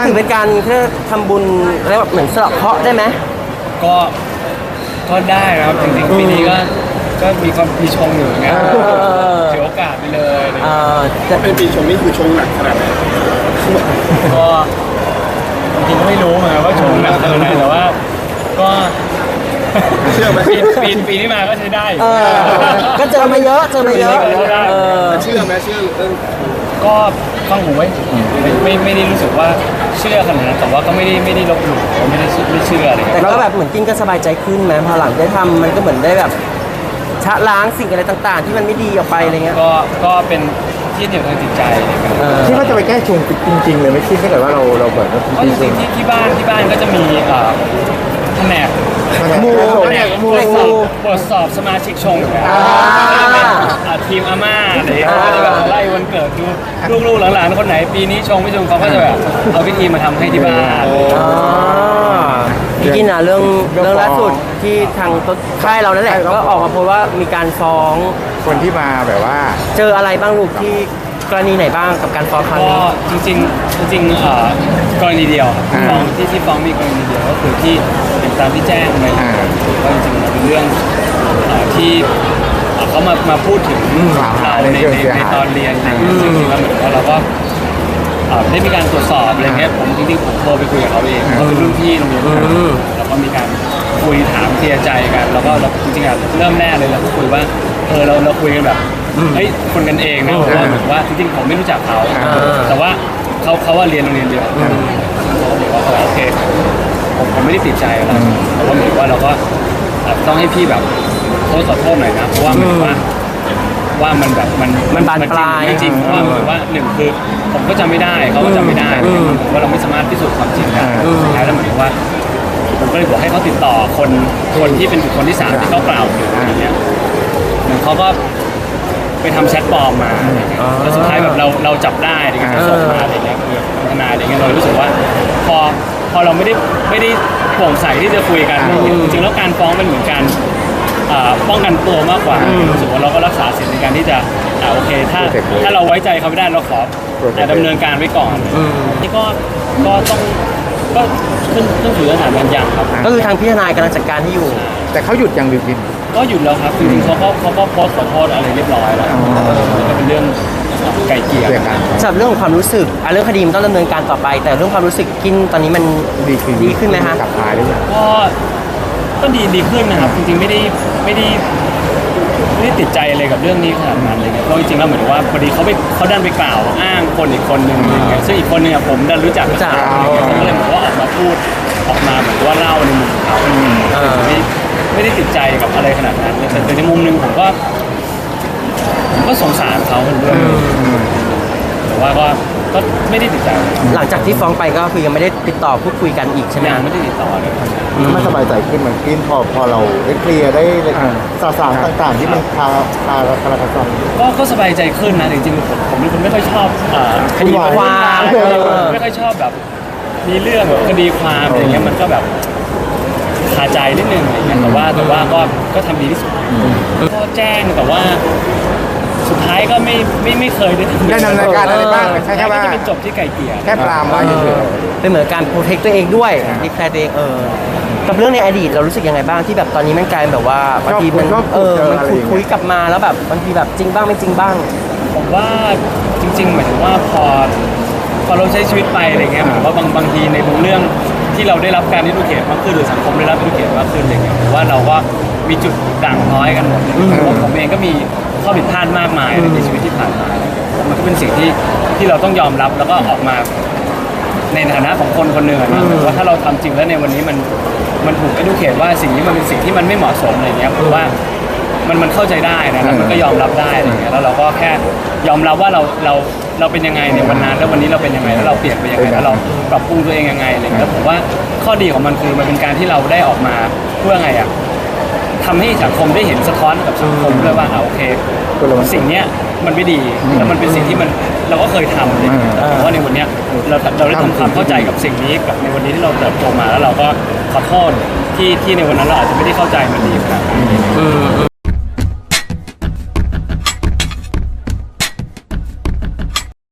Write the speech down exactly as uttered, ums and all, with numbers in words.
ถือเป็นการเพื่อทำบุญแล้วแบบเหมือนสลับเคราะห์ได้ไหมก็ก็ได้ครับจริงๆปีนี้ก็ก็มีความมีชงอยู่ไงถือโอกาสไปเลยจะเป็นปีชงนี่คือชงหนักขนาดไหนก็จริงๆไม่รู้เหมือนกันว่าชงหนักขนาดไหนแต่ว่าก็เชื่อไหมปีปีปีที่มาก็ใช้ได้ก็เจอมาเยอะเจอมาเยอะเชื่อไหมเชื่อเรื่องก็ฟังผมไว้ไม่ไม่ได้รู้สึกว่าเชื่อขนาดนั้นแต่ว่าก็ไม่ได้ไม่ได้ลบหลู่ไม่ได้ไม่เชื่ออะไรแต่ก็แบบเหมือนกินก็สบายใจขึ้นไหมพอหลังได้ทำมันก็เหมือนได้แบบชะล้างสิ่งอะไรต่างๆที่มันไม่ดีออกไปอะไรเงี้ยก็ก็เป็นที่เหนี่ยวทางจิตใจที่ว่าจะไปแก้ชงจริงๆเลยไม่คิดถ้าเกิดว่าเราเราแบบว่าจริงๆที่ที่บ้านที่บ้านก็จะมีแผนกมูแผนกมูตรวจสอบสมาชิกชงทีมอาม่าอะไรอย่างเงี้ยก็จะแบบไล่วันเกิดดูลูกๆหลานๆคนไหนปีนี้ชงไม่ชงเขาก็จะแบบเอาพิธีมาทำให้ที่บ้านพี่กินนะเรื่องเรื่องล่าสุดที่ทางค่ายเรานั่นแหละก็ออกมาโพสต์ว่ามีการฟ้องคนที่มาแบบว่าเจออะไรบ้างลูกที่กรณีไหนบ้างกับการฟ้องครั้งนี้ก็จริงๆจริงๆกรณีเดียวฟ้องที่ที่ฟ้องมีกรณีเดียวก็คือที่ตามที่แจ้งไปว่าจริงๆเป็นเรื่องที่เขามามาพูดถึงเราในในตอนเรียนซึ่งแล้วเหมือนว่าเราก็ได้มีการตรวจสอบอะไรเงี้ยผมจริงๆผมโทรไปคุยกับเขาเองเขาเป็นรุ่นพี่โรงเรียนแล้วก็มีการคุยถามเคลียร์ใจกันแล้วก็เราจริงๆอ่ะเริ่มแรกเลยเราก็คุยว่าเออเราเราคุยกันแบบเฮ้ยคนกันเองนะเพราะว่าเหมือนว่าจริงๆผมไม่รู้จักเขาแต่ว่าเขาเขาว่าเรียนโรงเรียนเดียวเขาบอกว่าโอเคผมผมไม่ได้ติดใจอะไรแต่ว่าเหมือนว่าเราก็ต้องให้พี่แบบโทษขอโทษหน่อยนะเพราะว่าเหมือนว่าว่ามันแบบมันมันบานปลายจริงๆเพราะว่าเหมือนว่าหนึ่งคือผมก็จำไม่ได้เขาก็จำไม่ได้ว่าเราไม่สามารถพิสูจน์ความจริงได้แล้วเหมือนว่าผมก็เลยบอกให้เขาติดต่อคนคนที่เป็นบุคคลที่สามที่เขากล่าวถึงอย่างเงี้ยเหมือนเขาก็ไปทำแชทปลอมมาแล้วสุดท้ายแบบเราเราจับได้อะไรเงี้ยส่งมาอะไรเงี้ยคือทนายอะไรเงี้ยเรารู้สึกว่าพอพอเราไม่ได้ไม่ได้โปร่งใสที่จะคุยกันจริงๆแล้วการฟ้องเป็นเหมือนการป้องกันตัวมากกว่ารู้สึกว่าเราก็รักษาสิทธิในการที่จะโอเคถ้าถ้าเราไว้ใจเขาไม่ได้เราขอดำเนินการไว้ก่อนนี่ก็ก็ต้องก็ขึ้นขึ้นอยู่กับสถานบรรยายครับก็คือทางพี่ทนายกำลังจัดการให้อยู่แต่เขาหยุดยังหรือกินก็หยุดแล้วครับจริงๆเขาก็เขาก็โพสต์ขอโทษอะไรเรียบร้อยแล้วก็เป็นเรื่องไก่เกลี่ยกันสำหรับเรื่องของความรู้สึกเรื่องคดีมันต้องดำเนินการต่อไปแต่เรื่องความรู้สึกกินตอนนี้มันดีขึ้นดีขึ้นไหมฮะกลับมาได้ยังก็ก็ดีดีขึ้นนะครับจริงๆไม่ได้ไม่ได้ไม่ได้ติดใจอะไรกับเรื่องนี้ขนาดนั้นเลยเพราะจริงๆแล้วเหมือนว่าพอดีเขาไปเขาดันไปกล่าวอ้างคนอีกคนหนึ่งอย่างเงี้ยซึ่งอีกคนหนึ่งผมดันรู้จักรู้จักเขาเลยเหมือนว่าออกมาพูดออกมาเหมือนว่าเล่าในมุมเขาไม่ไม่ได้ติดใจกับอะไรขนาดนั้นแต่ในมุมหนึ่งผมก็ผมก็สงสารเขาด้วยแต่ว่าก็ก็ไม่ได้ติดใจหลังจากที่ฟ้องไปก็คือยังไม่ได้ติดต่อพูดคุยกันอีกใช่ไหมไม่ได้ติดต่อเลยไม่สบายใจขึ้นมันกินพอพอเราได้เคลียร์ได้สารสารต่างๆที่มันคาคาคาราคาซังก็ก็สบายใจขึ้นนะจริงๆผมผมเป็นคนไม่ค่อยชอบคดีความไม่ค่อยชอบแบบมีเรื่องแบบคดีความอะไรเงี้ยมันก็แบบคาใจนิดนึงอะไรเงี้ยแต่ว่าแต่ว่าก็ก็ทำดีที่สุดก็แจ้งแต่ว่าสุดท้ายก็ไม่ไม่ไม่เคยได้ได้ดำเนินการอะไรบ้างใช่แค่ว่าจะเป็นจบที่ไก่เกลี่ยแค่ปรามไว้เฉยๆเป็นเหมือนการโปรเทคตัวเองด้วยดีแคร์ตัวเองเออกับเรื่องในอดีตเรารู้สึกยังไงบ้างที่แบบตอนนี้มันกลายแบบว่าบางทีมันเออมันคุยคุยกลับมาแล้วแบบบางทีแบบจริงบ้างไม่จริงบ้างผมว่าจริงๆหมายถึงว่าพอพอเราใช้ชีวิตไปอะไรเงี้ยผมว่าบางบางทีในบางเรื่องที่เราได้รับการดิดูเคทมากขึ้นหรือสังคมได้รับดิดูเคทมากขึ้นอะไรเงี้ยผมว่าเราก็มีจุดด่างพร้อยกันหมดเพราะว่าผมเองก็มีข้อผิดพลาดมากมายในชีวิตที่ผ่านมามันก็เป็นสิ่งที่ที่เราต้องยอมรับแล้วก็ออกมาในฐานะของคนคนหนึ่งนะว่าถ้าเราทำจริงแล้วในวันนี้มันมันถูกดิดูเคทว่าสิ่งนี้มันเป็นสิ่งที่มันไม่เหมาะสมอะไรเงี้ยผมว่ามันมันเข้าใจได้นะแล้วมันก็ยอมรับได้อะไรเงี้ยแล้วเราก็แค่ยอมรับว่าเราเราเราเป็นยังไงในวันนั้นแล้ววันนี้เราเป็นยังไงแล้วเราเปลี่ยนไปยังไงแล้วเราปรับปรุงตัวเองยังไงอะไรเงี้ยผมว่าข้อดีของมันคือมันเป็นการที่เราได้ออกมาเพื่อไงอ่ะทำให้สังคมได้เห็นสะท้อนกับสังคมด้วยว่าโอเคสิ่งเนี้ยมันไม่ดีแล้วมันเป็นสิ่งที่มันเราก็เคยทำเลยแต่ว่าในวันนี้เราเราได้ทำความเข้าใจกับสิ่งนี้กับในวันนี้ที่เราเติบโตมาแล้วเราก็ขอโทษที่ที่ในวันนั้นเราอาจจะไม่ได้เข้าใจมันดีขนาดนั้น